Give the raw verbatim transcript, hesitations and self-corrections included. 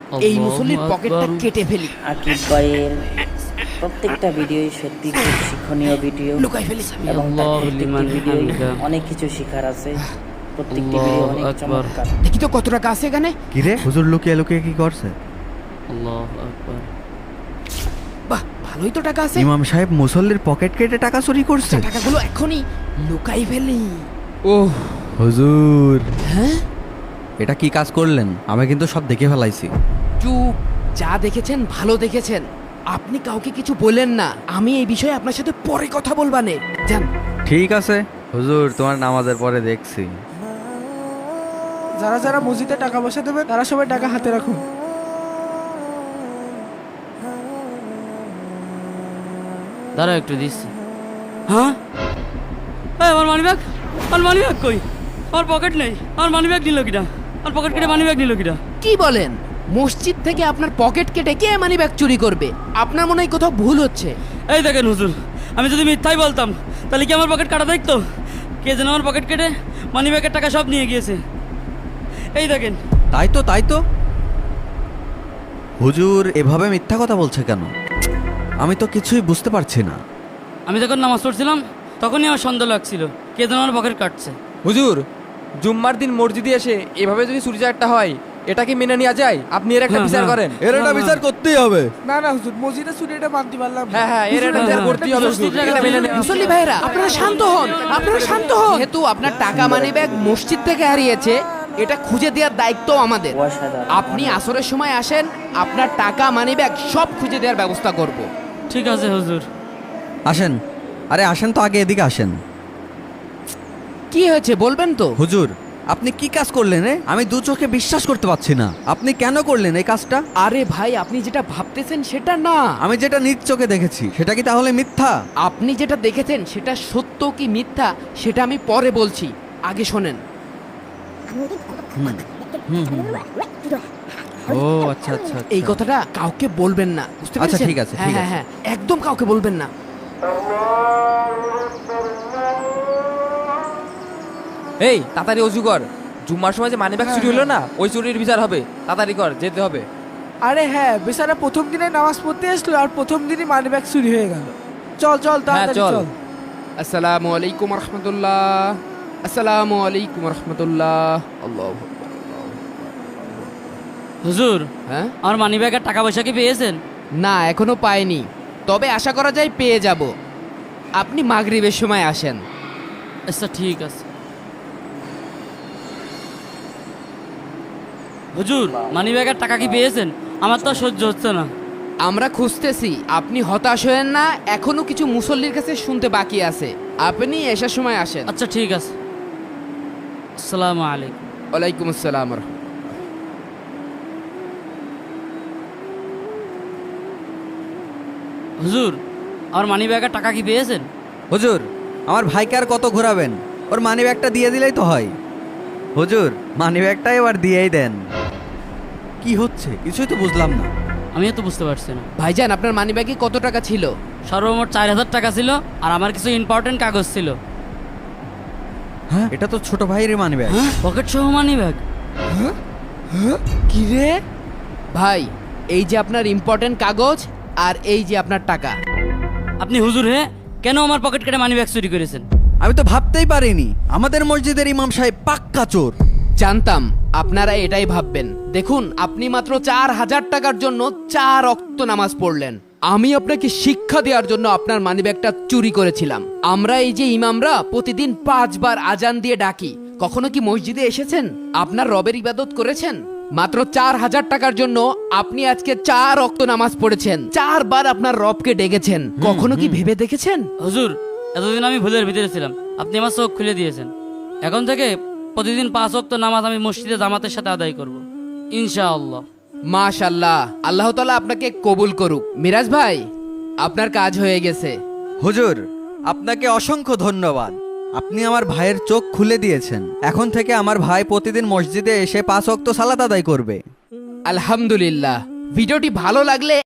এই মুসল্লির পকেটটা কেটে ফেলি। আকিব ভাইয়ের প্রত্যেকটা ভিডিওই সত্যি খুব শিক্ষণীয় ভিডিও লুকাই ফেলি। এবং তার প্রত্যেকটি ভিডিওই অনেক কিছু শেখার আছে। প্রত্যেকটি ভিডিও অনেক চমৎকার। দেখি তো কত টাকা আছে এখানে। কি রে হুজুর লুকিয়ে লুকিয়ে কি করছে? আল্লাহু আকবার। বাহ, ভালোই তো টাকা আছে। ইমাম সাহেব মুসল্লির পকেট কেটে টাকা চুরি করছে। টাকাগুলো এখনই লুকাই ফেলি। ওহ হুজুর, হ্যাঁ, এটা কি কাজ করলেন? আমি কিন্তু সব দেখে ফেলাইছি। চুপ। যা দেখেছেন ভালো দেখেছেন, আপনি কাউকে কিছু বলেন না। আমি এই বিষয়ে আপনার সাথে পরে কথা বলবানে। যান। ঠিক আছে হুজুর, তোমার নামাজের পরে দেখছি। যারা যারা মসজিদে টাকা পয়সা দেবে তারা সবাই টাকা হাতে রাখুন। দাঁড়া একটু দিচ্ছি। হ্যাঁ, এই আমার মানি ব্যাগ, আমার মানি ব্যাগ কই? আমার পকেট নেই। আমার মানি ব্যাগ নিল কিনা? আমার পকেট কেটে মানি ব্যাগ নিল কিনা? কি বলেন? মসজিদ থেকে আপনার পকেট কেটে কে মানি ব্যাগ চুরি করবে? আপনার মনে হয় কোথাও ভুল হচ্ছে। এই দেখেন হুজুর, আমি যদি মিথ্যাই বলতাম তাহলে কি আমার পকেট কাটা দেখতো? কে যেন আমার পকেট কেটে মানি ব্যাগের টাকা সব নিয়ে গিয়েছে। এই দেখেন। তাই তো তাই তো হুজুর এভাবে মিথ্যা কথা বলছে কেন? আমি তো কিছুই বুঝতে পারছি না। আমি যখন নামাজ পড়ছিলাম তখনই আমার সন্দেহ লাগছিল কে যেন আমার পকেট কাটছে। হুজুর, জুম্মার দিন মসজিদে এসে এভাবে যদি চুরি চারটা হয়, এটা কি মেনে নেওয়া যায়? আপনি এর একটা হ্যাঁ, বিচার হ্যাঁ। করেন। এর একটা বিচার করতেই হবে। না না হুজুর, মসজিদে চুরি এটা মানতে পারলাম না। হ্যাঁ হ্যাঁ, এর একটা বিচার করতেই হবে হুজুর। এটা মেনে নেওয়া- মুসল্লি ভাইরা, আপনারা শান্ত হন, আপনারা শান্ত হন। যেহেতু আপনার টাকা মানি ব্যাগ মসজিদ থেকে হারিয়েছে, এটা খুঁজে দেওয়ার দায়িত্ব আমাদের। অসাধারণ। আপনি আসরের সময় আসেন, আপনার টাকা মানি ব্যাগ সব খুঁজে দেওয়ার ব্যবস্থা করব। ঠিক আছে হুজুর। আসেন, আরে আসেন তো, আগে এদিকে আসেন। কি হয়েছে বলবেন তো? হুজুর আপনি কি কাজ করলেন রে? আমি দু চোখে বিশ্বাস করতে পারছি না। আপনি কেন করলেন এই কাজটা? আরে ভাই, আপনি যেটা ভাবতেছেন সেটা না। আমি যেটা নিজ চোখে দেখেছি সেটা কি তাহলে মিথ্যা? আপনি যেটা দেখেছেন সেটা সত্য কি মিথ্যা সেটা আমি পরে বলছি, আগে শোনেন। ও আচ্ছা আচ্ছা আচ্ছা। এই কথাটা কাউকে বলবেন না, বুঝতে আচ্ছা, পেরেছেন? ঠিক আছে, হ্যাঁ ঠিক হ্যাঁ আছে। হ্যাঁ, একদম কাউকে বলবেন না। এই তাড়াতাড়ি অজু কর। জুম্মার সময় যে মানি ব্যাগ চুরি হলো না, ওই চুরির বিচার হবে। তাড়াতাড়ি কর, যেতে হবে। আরে হ্যাঁ, বেচারা প্রথম দিনে নামাজ পড়তে আসলো আর প্রথম দিনই মানি ব্যাগ চুরি হয়ে গেল। চল চল তাড়াতাড়ি চল। চল। আসসালামু আলাইকুম রহমতুল্লাহ। আসসালামু আলাইকুম রহমতুল্লাহ। আল্লাহ। হুজুর, হ্যাঁ, আমার মানি ব্যাগের টাকা পয়সা কি পেয়েছেন? না এখনো পাইনি, তবে আশা করা যায় পেয়ে যাব। আপনি মাগরিবের সময় আসেন। আচ্ছা ঠিক আছে। হুজুর, মানি ব্যাগের টাকা কি পেয়েছেন? আমার তো আর সহ্য হচ্ছে না। আমরা খুঁজতেছি, আপনি হতাশ হয়েন না। এখনো কিছু মুসল্লির কাছে শুনতে বাকি আছে। আপনি এসার সময় আসেন। আচ্ছা ঠিক আছে। আসসালামু আলাইকুম। ওয়ালাইকুম আসসালাম রহমতুল্লাহ। হুজুর, আমার মানি ব্যাগের টাকা কি পেয়েছেন? হুজুর আমার ভাইকে আর কত ঘোরাবেন? ওর মানি ব্যাগটা দিয়ে দিলেই তো হয়। হুজুর মানি ব্যাগটা এবার দিয়েই দেন। কি হচ্ছে কিছুই তো বুঝলাম না। আমিও তো বুঝতে পারছি না। ভাইজান, আপনার মানি ব্যাগে কত টাকা ছিল? সর্বমোট চার হাজার টাকা ছিল, আর আমার কিছু ইম্পর্টেন্ট কাগজ ছিল। হ্যাঁ এটা তো ছোট ভাইয়ের মানি ব্যাগ। পকেট সহ মানি ব্যাগ? কি রে ভাই, এই যে আপনার ইম্পর্টেন্ট কাগজ আর এই যে আপনার টাকা। আপনি হুজুর হে কেন আমার পকেট কেটে মানি ব্যাগ চুরি করেছেন? আমি তো ভাবতেই পারিনি আমাদের মসজিদের ইমাম সাহেব পাক্কা চোর। জানতাম আপনারা এটাই ভাববেন। দেখুন, আপনি মাত্র চার হাজার টাকার জন্য চার ওয়াক্ত নামাজ পড়লেন। আমি আপনাকে শিক্ষা দেওয়ার জন্য আপনার মানিব্যাগটা চুরি করেছিলাম। আমরা এই যে ইমামরা প্রতিদিন পাঁচবার আজান দিয়ে ডাকি, কখনো কি মসজিদে এসেছেন? আপনার রবের ইবাদত করেছেন? মাত্র চার হাজার টাকার জন্য আপনি আজকে চার ওয়াক্ত নামাজ পড়েছেন, চারবার আপনার রবকে ডেকেছেন। কখনো কি ভেবে দেখেছেন? হুজুর, এতদিন আমি ভুলের ভিতরে ছিলাম, আপনি আমার চোখ খুলে দিয়েছেন। এখন থেকে প্রতিদিন পাঁচ ওয়াক্ত নামাজ আমি মসজিদে জামাতের সাথে আদায় করব, ইনশাআল্লাহ। মাশাআল্লাহ, আল্লাহ তাআলা আপনাকে কবুল করুক। মিরাজ ভাই, আপনার কাজ হয়ে গেছে। হুজুর আপনাকে অসংখ্য ধন্যবাদ। আপনি আমার ভাইয়ের চোখ খুলে দিয়েছেন। এখন থেকে আমার ভাই প্রতিদিন মসজিদে এসে পাঁচ ওয়াক্ত সালাত আদায় করবে। আলহামদুলিল্লাহ। ভিডিওটি ভালো লাগলে